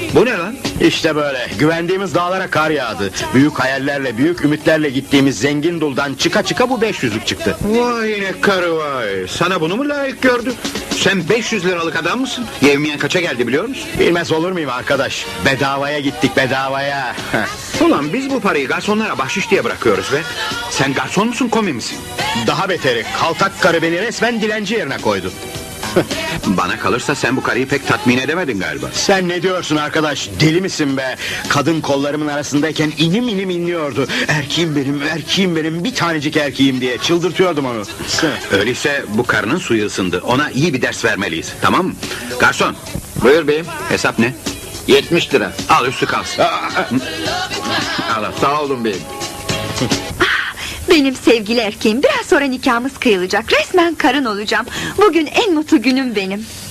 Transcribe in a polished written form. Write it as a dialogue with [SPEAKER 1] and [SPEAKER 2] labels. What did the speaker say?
[SPEAKER 1] Bu ne lan?
[SPEAKER 2] İşte böyle güvendiğimiz dağlara kar yağdı. Büyük hayallerle, büyük ümitlerle gittiğimiz zengin duldan çıka çıka bu 500'lük çıktı.
[SPEAKER 1] Vay ne karı vay. Sana bunu mu layık gördü? Sen 500 liralık adam mısın? Yevmiyen kaça geldi biliyor musun?
[SPEAKER 2] Bilmez olur muyum arkadaş? Bedavaya gittik, bedavaya.
[SPEAKER 1] Ulan biz bu parayı garsonlara bahşiş diye bırakıyoruz be. Sen garson musun, komi misin?
[SPEAKER 2] Daha beteri, kaltak karı beni resmen dilenci yerine koydu.
[SPEAKER 1] Bana kalırsa sen bu karıyı pek tatmin edemedin galiba.
[SPEAKER 2] Sen ne diyorsun arkadaş? Deli misin be? Kadın kollarımın arasındayken inim inim inliyordu. Erkeğim benim, erkeğim benim, bir tanecik erkeğim diye çıldırtıyordum onu.
[SPEAKER 1] Öyleyse bu karının suyu ısındı. Ona iyi bir ders vermeliyiz, tamam mı? Garson,
[SPEAKER 3] Buyur beyim.
[SPEAKER 1] hesap ne?
[SPEAKER 3] 70 lira.
[SPEAKER 1] Al üstü kalsın. Al al.
[SPEAKER 3] Sağ olun beyim.
[SPEAKER 4] Benim sevgili erkeğim, biraz sonra nikahımız kıyılacak. Resmen karın olacağım. Bugün en mutlu günüm benim.